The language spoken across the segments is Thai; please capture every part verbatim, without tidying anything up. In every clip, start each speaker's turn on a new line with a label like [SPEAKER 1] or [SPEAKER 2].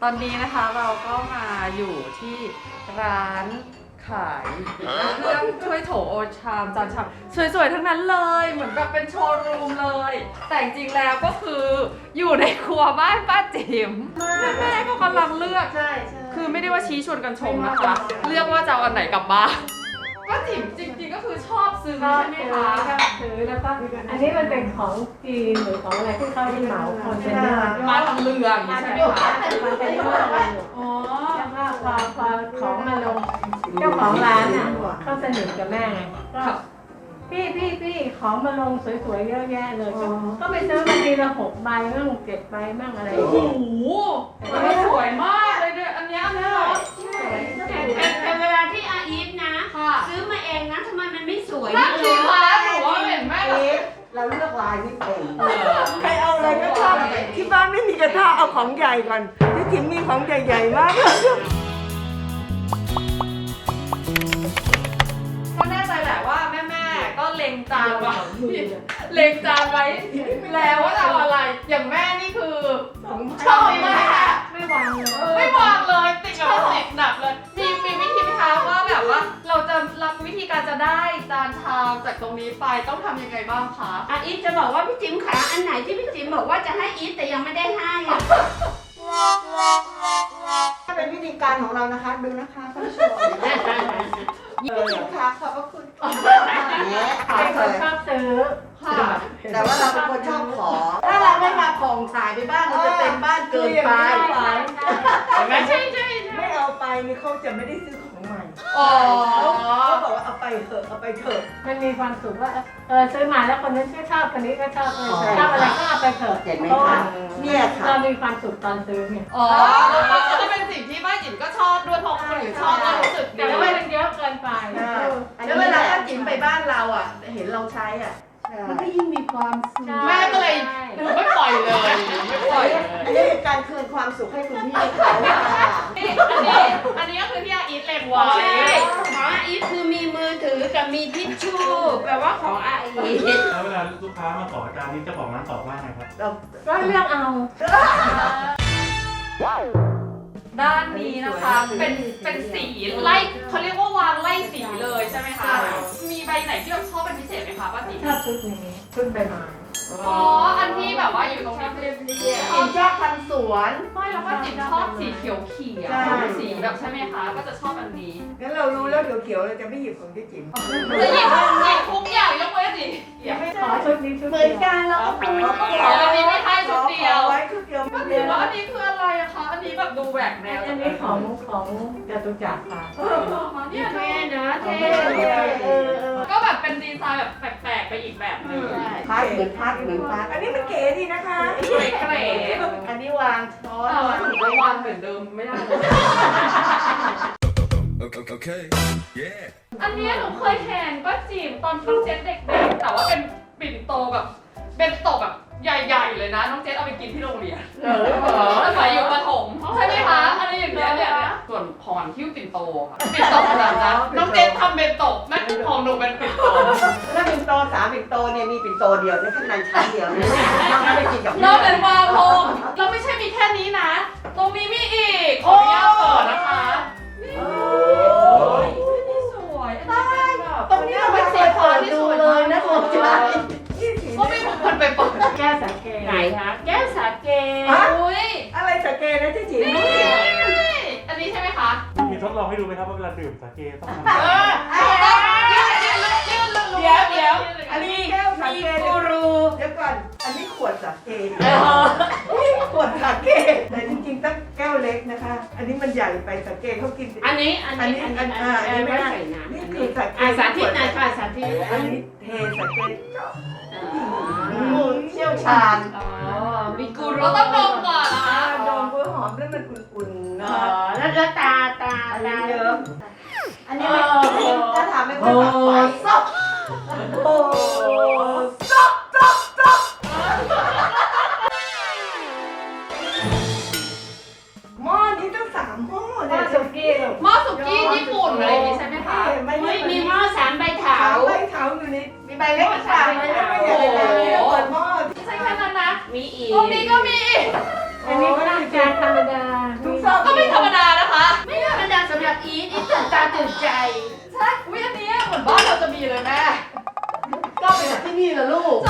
[SPEAKER 1] ตอนนี้นะคะเราก็มาอยู่ที่ร้านขายเครื่องถ้วยโถโอชามจานชามสวยๆทั้งนั้นเลยเหมือนแบบเป็นโชว์รูมเลย แต่จริงๆแล้วก็คืออยู่ในครัวบ้านป้าจิ๋มแม่ก็กำลังเลือก
[SPEAKER 2] ใช่ใช่
[SPEAKER 1] คือไม่ได้ว่าชี้ชวนกันชมนะคะ เลือกว่าจะเอาอันไหนกลับบ้านป้าจิ๋มจริงๆก็คือชอบซื้อ
[SPEAKER 2] ชอบ
[SPEAKER 1] ใช่ไหม
[SPEAKER 2] ซื้อ
[SPEAKER 1] คะ
[SPEAKER 2] ชอบซื้อแล้วก็อันนี้มันเป็นของจีนหรือของอะไรที่เขาที่เหมาคนเป็นเดือน
[SPEAKER 1] มาทางเรืออย่างนี้ใช่ไหมคะ
[SPEAKER 2] มันเป็นเรื่องอะไรอยู่
[SPEAKER 1] อ๋อ
[SPEAKER 2] แล้วก็พอพอของมาลงเจ้าของร้านอ่ะเขาสนิทกับแม่ไงก็พี่พี่พี่ของมาลงสวยๆเยอะแยะเลยก็ก็ไปซื้อบางทีละหกใบบ้างเจ็ดใบบ้างอะไรอย่าง
[SPEAKER 1] โอ้
[SPEAKER 2] เงี้ย
[SPEAKER 1] โหมันสวยมากเลยเนี่ยอันเนี้ยอันเนี้ยเหรอ
[SPEAKER 3] แต่แต่แต่เวลาที่อาอีฟนะ
[SPEAKER 1] ค่ะ
[SPEAKER 3] ซื้อมาเองนะทำไมมันไม่สวย
[SPEAKER 1] นั่นสิ
[SPEAKER 3] เลย
[SPEAKER 1] คะหนูว่าเห็นแม่แบบ
[SPEAKER 4] เราเลือกลายไม่เป็น
[SPEAKER 5] ใครเอาอะไรก็ชอบที่บ้านไม่มีกระทะเอาของใหญ่ก่อนที่จิ๋มมีของใหญ่ๆมากเลย
[SPEAKER 1] ก็แน่ใจแหละว่าแม่ๆก็เล็งจานไว้เล็งจานไว้แล้วว่าจะเอาอะไร อย่างแม่นี่คือชอบมาก
[SPEAKER 2] ไม่วางเลย
[SPEAKER 1] ไม่วางเลยติดกับติดหนักเลย มีมีวิธีไหมคะว่าแบบว่าเราจะรับวิธีการจะได้จานชามจากตรงนี้ไปต้องทำยังไงบ้างคะ
[SPEAKER 3] อาอีฟจะบอกว่าพี่จิ๋มขาอันไหนที่พี่จิ๋มบอกว่าจะให้อีฟแต่ยังไม่ได้ให้อะ
[SPEAKER 4] ถ้าเป็นวิธีการของเรานะคะ ดูนะคะท่านผู้ชมพี่จิ๋มค่ะขอบพระคุณเนี่ย
[SPEAKER 2] เป็นคนชอบซื้อ
[SPEAKER 1] ค่ะ
[SPEAKER 4] แต่ว่าเราเป็นคนชอบของ ถ้าเราไม่มาผ่องถ่ายไปบ้านเราจะเต็มบ้านเกินไป
[SPEAKER 1] ไม่ใช่ใช่
[SPEAKER 5] ไม่เอาไปนี่เขาจะไม่ได้ซื้อของใหม่
[SPEAKER 1] อ๋อ
[SPEAKER 5] เขาบอกว่าเอาไปเถอะเอาไปเถอะ
[SPEAKER 2] มันมีความสุขว่าเออซื้อมาแล้วคนนั้นก็ชอบคนนี้ก็ชอบเออชอบอะไรก็เอาไปเถอะ
[SPEAKER 4] เห็นไหม
[SPEAKER 2] เพราะว่า
[SPEAKER 4] คะเนี่ยค่ะ
[SPEAKER 2] เรามีความสุขตอนซื้อเนี่ย
[SPEAKER 1] อ๋อก็จะเป็นสิ่งที่ป้าจิ๋มก็ชอบด้วยเพราะคนอื่นชอบก็รู้สึกดี
[SPEAKER 2] แต่ว่ามันเยอะเกินไป
[SPEAKER 4] แล้วเวลาถ้าจิ๋มไปบ้านเราอ่ะ เห็นเราใช้อ่ะ มันก็ยิ่งมีความสุข
[SPEAKER 1] แม่ก็เลยหนูไม่ปล่อยเลยไม่ปล่อยเลย
[SPEAKER 4] อันนี้เป็นการคืนความสุขให้คุณพี่เขาค่ะ
[SPEAKER 1] นี่อันนี้อันนี้ก็คือที่อาอีทเล็งไว้
[SPEAKER 3] ใช่ของอาอีฟคือมีมือถือกับมีทิชชู่แปลว่าของอาอีฟ
[SPEAKER 6] แล้วเวลาลูกค้ามาขอจานนี้เจ้าของร้านตอบว่าไงครับ
[SPEAKER 4] เรา
[SPEAKER 2] ก็เลือกเอา
[SPEAKER 1] ด้านนี้นะคะเป็นเป็นสีไล่เขาเรียกว่าวางไล่สีเลยใช่ไหมคะมีใบไหนที่เราชอบเป็นพิเศษไหมคะป้าจิ๋ม
[SPEAKER 2] ชอบชุดนี้ชุดใบไม้
[SPEAKER 1] อ๋ออันที่แบบว่าอยู่ตรงนี้เรียบ
[SPEAKER 4] จิ๋มชอบทำสวน
[SPEAKER 1] ไม่แล้วป้าจิ๋มชอบสีเขียวเขียว
[SPEAKER 4] ใช่
[SPEAKER 1] สีแบบใช่ไหมคะก็จะชอบอันนี้
[SPEAKER 5] งั้นเรารู้แล้วเขียวๆเราจะไม่หยิบของที่จิ๋ม
[SPEAKER 1] จะหยิบหยิบทุกอย่างยกเว้นสีเขียว
[SPEAKER 2] ขอชุดนี้ชุด
[SPEAKER 4] เหมื
[SPEAKER 2] เดี
[SPEAKER 4] อน
[SPEAKER 2] ยว
[SPEAKER 4] กันเราก็ขอ
[SPEAKER 1] ขออันนี้ไม่ให้ชุดเดียว
[SPEAKER 5] ขอไว้ชุดเดียว
[SPEAKER 1] ป้าจิ๋มว่าอันนี้คืออะไรอะคะอันนี้แบบดูแหวกแนว
[SPEAKER 2] อันนี้ของของจตุจักรค่ะ
[SPEAKER 1] เนี่ย
[SPEAKER 3] เท่นะเท่
[SPEAKER 4] เออเออ
[SPEAKER 1] ก็แบบเป็นดีไซน์แบบแปลกๆไปอีกแบบหนึง
[SPEAKER 4] พัดเหมือนพัดเหมือนพัด
[SPEAKER 5] อันนี้มันเก๋ดีนะคะ
[SPEAKER 1] เกรด
[SPEAKER 4] อันนี้วางช้อน
[SPEAKER 1] แต่ว่าถึงไปวางเหมือนเดิมไม่ได้เลย
[SPEAKER 7] Okay, okay. Yeah.
[SPEAKER 1] อันเนี้ยหนูเคยเห็นป้าจิ๋มตอนน้องเจนเด็กๆ แต่ว่าเป็นปิ่นโตแบบเป็นโตแบบใหญ่ๆเลยนะ น้องเจนเอาไปกินที่โรงเรียน
[SPEAKER 4] เออเหรอ
[SPEAKER 1] สมัยอยู่ประถมใช่ไหมคะอะไรอย่างเงี้ยเนี่ยเนี่ยส่วนพรคิ้วปิ่นโตค่ะปิ่นโตขนาดนั้นน้องเจนทำเป็นโตนั่นของหนูเป็นปิ่นโต
[SPEAKER 4] แล้วปิ่นโตสามปิ่นโตเนี่ยมีปิ่นโตเดียวในข้างในชั้นเดียวนะต้องไปกินกับ
[SPEAKER 1] เราเป็นวาโลงเราไม่ใช่มีแค่นี้นะ ตรงนี้มีอีกขออนุญาตเปิดนะคะนี่นี่สวยอันนี้เป็นแบบ
[SPEAKER 4] ตรงนี้เราไม่เคยเปิดดูเลยนะคุณจ้า
[SPEAKER 1] ก็ไม่มีคนไปเปิด
[SPEAKER 2] แก้วสาเก
[SPEAKER 3] ไหนคะแก้วสาเก
[SPEAKER 1] อุ้ย
[SPEAKER 5] อะไรสเกนะที่จิ๋ม
[SPEAKER 1] นี่อันนี้ใช่ไหมคะ
[SPEAKER 6] มีทดลองให้ดูไหมครับว่าเวลาดื่มสาเกต้องทำ
[SPEAKER 1] เออเดี๋ยวเดี๋ยว
[SPEAKER 5] อันนี้แก้วสาเกกูรูเดี๋ยวก่อนอันนี้ขวดสาเกขวดสาเกแต่จริงๆต้องแก้วเล็กนะคะ อันนี้มันใหญ่ไปสาเกเขากิน
[SPEAKER 3] อันนี้อัน
[SPEAKER 5] อัน
[SPEAKER 3] นี้
[SPEAKER 5] นี้
[SPEAKER 3] อัน
[SPEAKER 5] อั
[SPEAKER 3] นี้
[SPEAKER 5] น
[SPEAKER 3] อัน
[SPEAKER 5] อ่าอัน
[SPEAKER 3] นี้
[SPEAKER 5] นี้
[SPEAKER 3] ไม่
[SPEAKER 5] ไม่ได้
[SPEAKER 3] ใส่น้ำ
[SPEAKER 5] นี่
[SPEAKER 3] อัน
[SPEAKER 5] คื
[SPEAKER 3] นี้
[SPEAKER 5] อสาเก
[SPEAKER 3] อ่ะสาธิตหน่อยค่ะสาธิต
[SPEAKER 5] อันนี้เทสาเก
[SPEAKER 4] เชี่ยวชาญ
[SPEAKER 3] อ๋อมีกู
[SPEAKER 1] เรา
[SPEAKER 3] รู
[SPEAKER 1] ต้องดมก่อนนะ
[SPEAKER 5] อ่า
[SPEAKER 1] คะ
[SPEAKER 5] ดมกล้วยหอมแล้วมันอุ่นๆนะ
[SPEAKER 3] อ๋อ
[SPEAKER 5] คะ
[SPEAKER 3] แล้วแล้วตาตา
[SPEAKER 5] อัน
[SPEAKER 3] ตา
[SPEAKER 5] นี้เยิ้ม
[SPEAKER 4] อันนี้ไม่ถ้าทำไม่ค่อยฝักไฟ
[SPEAKER 5] โอ้หม้อนี้ต้องสามหม้อ
[SPEAKER 2] ห
[SPEAKER 5] เล
[SPEAKER 2] ม้อย สุกี้ลูก
[SPEAKER 1] หม้อสุกี้ญี่ปุ่นอะไรอย่างงี้ใช่ไหมคะ
[SPEAKER 5] ไม่
[SPEAKER 3] เฮ้ยมี
[SPEAKER 5] มี
[SPEAKER 3] หม้อสามใบเถา
[SPEAKER 5] เถาใบเถาอยู่ในมีใบเล็กสามใบเล็กไม่ใหญ่เลยนี่เราเปิดหม้อ
[SPEAKER 1] ไม่ใช่แค่นั้นนะ
[SPEAKER 3] มีอีก
[SPEAKER 1] ตรงนี้ก็มีอีก
[SPEAKER 2] อันนี้ข้าวจานธรรมดา
[SPEAKER 5] ทุก
[SPEAKER 3] อีทอีทตื่นตาตื่นใจ
[SPEAKER 1] ใช่อุ้ยอันนี้เหมือนบ้านเราจะมีเลยแม่
[SPEAKER 5] ก็ไปจากที่นี่ละลูก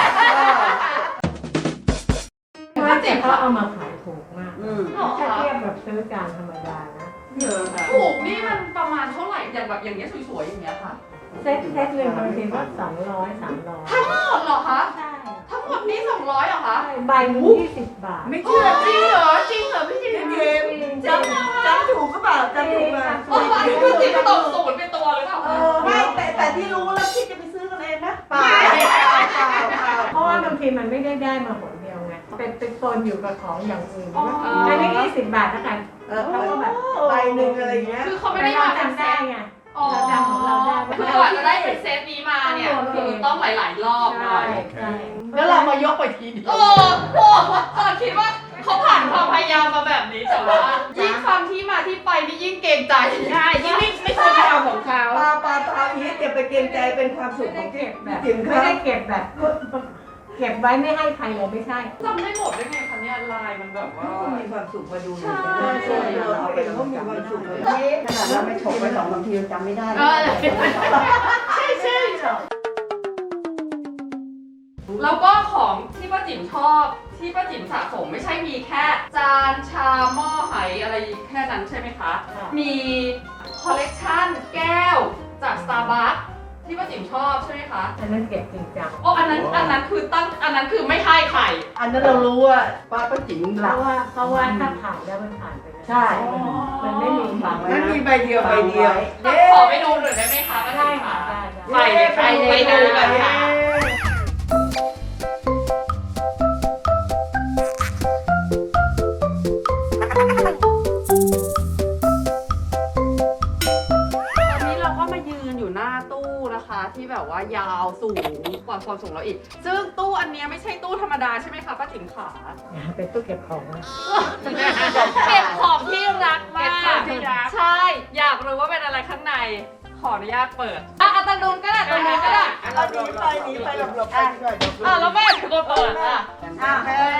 [SPEAKER 2] ป้าจิ๋มเขาเอามาขายถูกมาก
[SPEAKER 3] อืม
[SPEAKER 2] ถ้าเทียบแบบซื้อจานธรรมดานะ
[SPEAKER 5] เยอะค่ะ
[SPEAKER 1] ถูกนี่มันประมาณเท่าไหร่อย่างแบบอย่างเงี้ยสวยๆอย่างเงี้ยค่ะ
[SPEAKER 2] เซ็ตเซ็ตหนึ่งบางทีก็สองร้อยสามร้อย
[SPEAKER 1] ทั้งหมดเหรอคะ
[SPEAKER 2] ใช่
[SPEAKER 1] ทั้งหมดนี้สองร้อยเหรอคะ
[SPEAKER 2] ใช่ใบหนึ่งยี่สิบบาท
[SPEAKER 5] ไม่เชื่อ
[SPEAKER 3] จริงเหรอจริงเหรอพี่จิ๋ม
[SPEAKER 5] เกมจำจำถูกก็เปล่าจำถูกมา
[SPEAKER 1] โอ้ยพี่จิ๋มตกศูนย์เป็นตัวหรือเปล่า
[SPEAKER 5] เออไม่แต่แต่ที่รู้แล้วคิดจะไปซื้อกันเองนะเปล่าเปล่าเปล่า
[SPEAKER 2] เพราะว่าบางทีมันไม่ได้ได้มาหนเดียวไง เป็นเป็นปนอยู่กับของอย่างอื่น
[SPEAKER 1] อ๋อ
[SPEAKER 2] อันนี้ยี่สิบบาทแล้วกัน
[SPEAKER 5] เออเขาก็แบบใบหนึ่งอะไรอย่างเงี้ย
[SPEAKER 1] คือเขาไม่
[SPEAKER 2] ไม่
[SPEAKER 1] ได้
[SPEAKER 2] ได้
[SPEAKER 1] มาเป็น
[SPEAKER 2] จำ
[SPEAKER 1] เซ
[SPEAKER 2] ได้
[SPEAKER 1] ต
[SPEAKER 2] ไง
[SPEAKER 1] อ๋อ
[SPEAKER 2] เราจำของเราได้
[SPEAKER 1] คือกว่าจะได้เป็นเซตนี้มาเนี่ยคือต้องหลายๆรอบหน่
[SPEAKER 2] ใช่
[SPEAKER 1] อย
[SPEAKER 2] ใช่
[SPEAKER 5] แล้วเรามายกไปทีเดียว
[SPEAKER 1] โอ้โหตอนคิดว่าเขาผ่านความพยายามมาแบบนี้แต่ว่ายิ่งฟังที่มาที่ไปนี่ยิ่งเกรงใจ
[SPEAKER 3] ใช่ยิ่งไม่ไม่ควรไปเอาของเขา
[SPEAKER 5] ปลาปลาปลาอีทอย่าไปเกรงใจเป็นความสุขของที่
[SPEAKER 2] แบบ
[SPEAKER 5] จิ๋ม
[SPEAKER 2] ไม่
[SPEAKER 5] เขา
[SPEAKER 2] ได้เก็บแบบ เก็บไว้ไม่ให้ใครเลยไม่ใช่
[SPEAKER 1] จำได้หมดได้ไงคะเนี่ยลายมันแบบว่า
[SPEAKER 5] เขามีความสุขมาดู
[SPEAKER 1] ใช่
[SPEAKER 5] เราเองก็มีความสุขเลยนี่ขนาดเราไม่ฉกไปสองสามทียังจำไม่ได้
[SPEAKER 3] เออใช่ใช่
[SPEAKER 1] แล้วก็ของที่ป้าจิ๋มชอบที่ป้าจิ๋มสะสมไม่ใช่มีแค่จานชามหม้อไหอะไรแค่นั้นใช่ไหมคะ
[SPEAKER 2] ค่ะ
[SPEAKER 1] มีคอลเลกชันแก้วจาก Starbucks ที่ป้าจิ๋มชอบใช่ไหมคะ
[SPEAKER 2] อันนั้นเก็บจริงจัง
[SPEAKER 1] โอ้อันนั้นอันนั้นคือตั้งอันนั้นคือไม่ให้ใคร
[SPEAKER 5] อันนั้นเรารู้ว่าป้าป้าจิ๋ม
[SPEAKER 2] เพ
[SPEAKER 5] หลับ
[SPEAKER 2] ราะว่าเพราะว่าถ้าผ่านแล้วมันผ่านไปเลย
[SPEAKER 5] ใช่
[SPEAKER 2] มันไม่มีฝังไว้
[SPEAKER 5] นั่น
[SPEAKER 2] นะ
[SPEAKER 5] มีใบเดียวใบเดียว
[SPEAKER 1] ขอไปดูหน่อยได้ไหมคะป้า
[SPEAKER 2] ได้
[SPEAKER 1] จิ๋ม
[SPEAKER 2] ค่ะ
[SPEAKER 1] คะ
[SPEAKER 2] ได้ได้
[SPEAKER 1] ไปเลยไปเลยไปดูกันค่ะ ตอนนี้เราก็มายืนอยู่หน้าตู้นะคะ ที่แบบว่ายาวสูงกว่าความสูงเราอีก ซึ่งตู้อันเนี้ยไม่ใช่ตู้ธรรมดาใช่ไหมคะป้าจิ๋มขา
[SPEAKER 2] เป็นตู้เก็บของนะ
[SPEAKER 1] เก็บของที่รักมาก
[SPEAKER 3] เก็บของที่รัก
[SPEAKER 1] ใช่ อยากรู้ว่าเป็นอะไรข้างใน ขออนุญาตเปิด อ่ะเอาตรงนู้นก็ได้ตรงนู้นก็ได้
[SPEAKER 5] เอาหนีไปหนีไปหลบหลบๆไปดีกว่าเดี๋ยว
[SPEAKER 1] อ่ะแล้วแม่ถึงก็เปิดอ่ะ
[SPEAKER 5] อ่ะ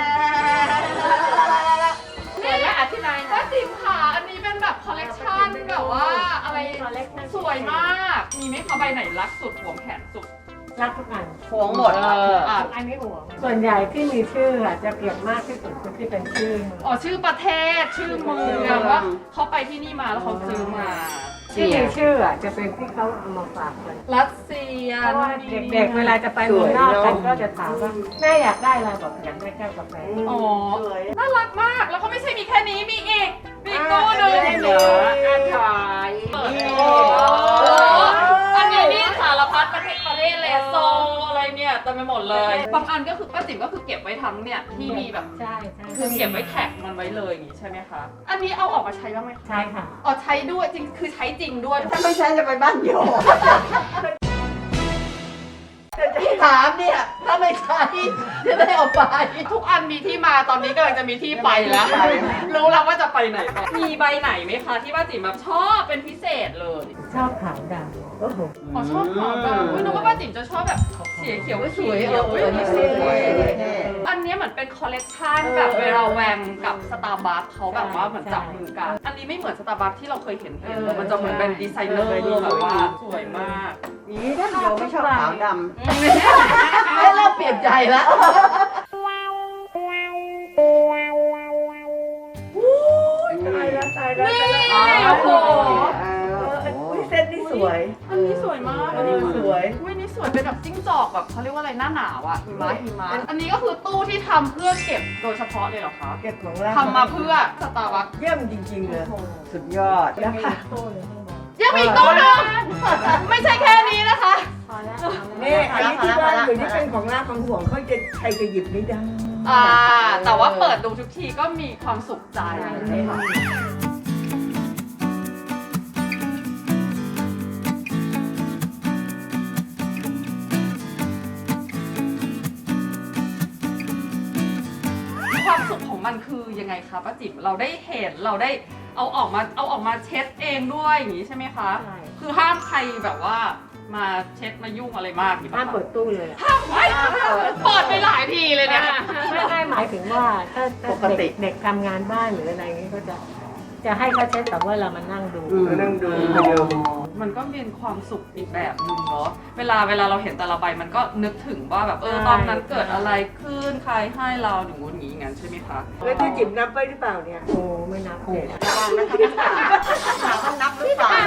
[SPEAKER 3] เปิดแล้วอธิบายหน่
[SPEAKER 1] ป้า
[SPEAKER 3] อย
[SPEAKER 1] จิ๋มขาอันนี้เป็นแบบคอลเลกชันแบบว่าอะไรสวยมาก มีไหมคะใบไหนรักสุดห่วงแขนสุด
[SPEAKER 2] รักทุกอัน
[SPEAKER 5] ห่วงหมด
[SPEAKER 1] อ่ะ
[SPEAKER 2] อันนี้ห่วงส่วนใหญ่ที่มีชื่ออะจะเก็บมากที่สุดคือที่เป็นชื่อ
[SPEAKER 1] อ๋อชื่อประเทศชื่อเมืองว่าเขาไปที่นี่มาแล้วเขาซื้อมา
[SPEAKER 2] ที่มีชื่ออะจะเป็นที่เขาเอามาฝากกัน
[SPEAKER 1] รัสเซีย
[SPEAKER 2] เพราะว่าเด็กๆเวลาจะไปเมืองนอกกันก็จะถามว่าแม่อยากได้อะไรบอกอยากได้แก้วกาแฟ
[SPEAKER 1] อ๋อ
[SPEAKER 5] สวย
[SPEAKER 1] น่ารักมาก แล้วก็ไม่ใช่มีแค่นี้ มีอีก มีอีกตู้หนึง
[SPEAKER 5] อ่ะ
[SPEAKER 3] เหรออันถอย
[SPEAKER 1] เปิด
[SPEAKER 5] นี่
[SPEAKER 1] โอ้โหอันนี้นี่สารพัดประเทศประเทศเลยโซอะไรเนี่ยเต็มไปหมดเลย บางอันก็คือป้าจิ๋มก็คือเก็บไว้ทั้งเนี่ยที่มีแบบ
[SPEAKER 2] ใช่ใช่
[SPEAKER 1] คือเก็บไว้แท็กมันไว้เลยอย่างนี้ใช่ไหมคะ อันนี้เอาออกมาใช้บ้างไหมคะ
[SPEAKER 2] ใช่ค่ะ
[SPEAKER 1] อ๋อใช้ด้วยจริง คือใช้จริงด้วย
[SPEAKER 5] ถ้าไม่ใช่จะไปบ้านโยที่ถามเนี่ย ถ้าไม่ใช่จะได้เอาไป
[SPEAKER 1] ทุกอันมีที่มาตอนนี้กำลังจะมีที่ไปแล้ว รู้แล้วว่าจะไปไหนต่อมีใบไหนไหมคะที่ป้าจิ๋มแบบชอบเป็นพิเศษเลย
[SPEAKER 2] ชอบขาวดำโอ้โห
[SPEAKER 1] อ๋อชอบขาวดำอุ๊ยนึกว่าป้าจิ๋มจะชอบแบบเสียเขียว
[SPEAKER 5] สวย
[SPEAKER 1] เขียว
[SPEAKER 5] เอออันนี้สวยสวย
[SPEAKER 1] อันเนี้ยเหมือนเป็นคอลเลกชันแบบเวลาแวงกับสตาร์บัคเขาแบบว่าเหมือนจับมือกัน อันนี้ไม่เหมือนสตาร์บัคที่เราเคยเห็นเห็นเลยมันจะเหมือนเป็นดีไซเนอร์แบบว่าสวยมาก
[SPEAKER 5] นี่ถ้าโยไม่ชอบขาวดำเริ่มเปลี่ยนใจแล้วตายแล้วตายแล้ว
[SPEAKER 1] นี่โอ้โห
[SPEAKER 5] อุ้ยเส้นนี่สวย
[SPEAKER 1] อันนี้สวยมาก
[SPEAKER 5] เอ
[SPEAKER 1] อันนี้
[SPEAKER 5] อสวย
[SPEAKER 1] อุ้ยนี่สวยเป็นแบบจิ้งจอกแบบเขาเรียกว่าอะไรหน้าหนาวอะหิมะหิมะอันนี้ก็คือตู้ที่ทำเพื่อเก็บโดยเฉพาะเลยเหรอคะ
[SPEAKER 5] เก็บของเรา
[SPEAKER 1] ทำมาเพื่อสตาร์บัค
[SPEAKER 5] เยี่ยมจริงๆเลยสุดยอด
[SPEAKER 2] ยั
[SPEAKER 5] นะ
[SPEAKER 2] งมี
[SPEAKER 5] คะ
[SPEAKER 2] ตู้เลยข้างบน
[SPEAKER 1] ยังมีอีกตู้หนึงไม่ใช่แค่นี้นะคะ
[SPEAKER 2] พอแล้วพอแล้ว
[SPEAKER 5] นี่อันนี้ที่บ้านอยู่นี่เป็นของราของห่วงเขาจะใครจะหยิบไม่ได้
[SPEAKER 1] อ่า แต่ว่าเปิดดูทุกทีก็มีความสุขใจค่ะความสุขของมันคือยังไงคะป้าจิ๋มเราได้เห็นเราได้เอาออกมาเอาออกมาเช็ดเองด้วยอย่างนี้ใช่ไหมคะ
[SPEAKER 2] ใช่
[SPEAKER 1] คือห้ามใครแบบว่ามาเช็ดมายุ่งอะไรมากอย่างนี้
[SPEAKER 2] ห้าม
[SPEAKER 1] ปะ
[SPEAKER 2] เปิดตู้เลยอะ
[SPEAKER 1] ห้ามไว้เปิดไปหลายทีเลยเนี่ย
[SPEAKER 2] ไม่ได้หมายถึงว่าถ้าถ้าเด็กเด็กทำงานบ้านหรืออะไรอย่างนี้ก็จะจะให้เขาเช็ดแต่ว่าเรามานั่งดู
[SPEAKER 5] มานั่งดูมาดู
[SPEAKER 1] มันก็เป็นความสุขอีกแบบหนึงเนาะเวลาเวลาเราเห็นแต่ละใบมันก็นึกถึงว่าแบบเออ
[SPEAKER 2] ใช่
[SPEAKER 1] ตอนนั้นเกิดอะไรขึ้นใครให้เราหนึ่งงูนี้อย่างนั้นใช่ไหมคะ
[SPEAKER 5] แล้วที่จิ๋มนับไว้หรือเปล่าเนี่ย
[SPEAKER 2] โอ้ไม่นับเลย
[SPEAKER 4] ระวังนะคะพี่สาวถามว่านับหรือเปล่า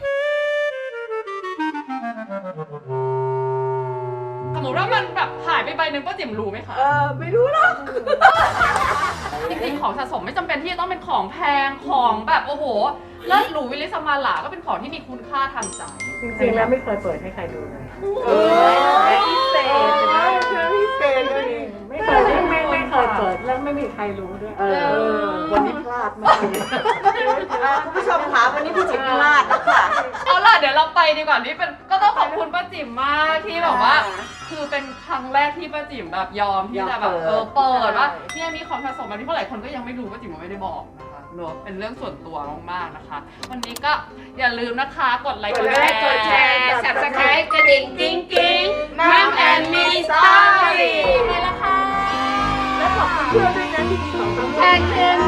[SPEAKER 1] สมมติว่ามันแบบหายไปใบหนึ่งป้าจิ๋มรู้ไหมคะ
[SPEAKER 5] เออไม่รู้หรอก
[SPEAKER 1] จริงๆของสะสมไม่จำเป็นที่จะต้องเป็นของแพงของแบบโอ้โหเลิศหรูวิลิสมาหลาก็เป็นของที่มีคุณค่าทางใจ
[SPEAKER 2] จริงๆแล้วไม่เคยเปิดให้ใครดูเลย
[SPEAKER 5] เออพิเศษนะเชื่อพิเศษเลยนี่
[SPEAKER 2] ไม่เคยไม่ไม่ไม่เคยเปิดแล้วไม่มีใครรู้ด้วย
[SPEAKER 5] เออวันนี้พลาดมากเลย
[SPEAKER 4] คุณผู้ชมคะวันนี้พี่จิ๋มพลาดแล้วค่ะ
[SPEAKER 1] เอาล่ะเดี๋ยวเราไปดีกว่านี่เป็นก็ต้องขอบคุณป้าจิ๋มมากที่แบบว่า คือเป็นครั้งแรกที่ป้าจิ๋มแบบยอมที่จะแบบเออเปิดว่าเนี่ยมีของสะสมแบบนี้เพราะหลายคนก็ยังไม่รู้ป้าจิ๋มไม่ได้บอกนะคะเนอะเป็นเรื่องส่วนตัวมากๆนะคะ วันนี้ก็อย่าลืมนะคะกดไลค์กดแชร์
[SPEAKER 3] กดแชร์ Subscribe กระดิ่งกิ้งกิ้งมัมแอนมีสตอรี่
[SPEAKER 1] ไปแล้วค่ะ
[SPEAKER 5] แล้วขอบคุณเพื่อนด้วยนะที่มีของสำ
[SPEAKER 3] แท
[SPEAKER 5] คัญ
[SPEAKER 3] นคืน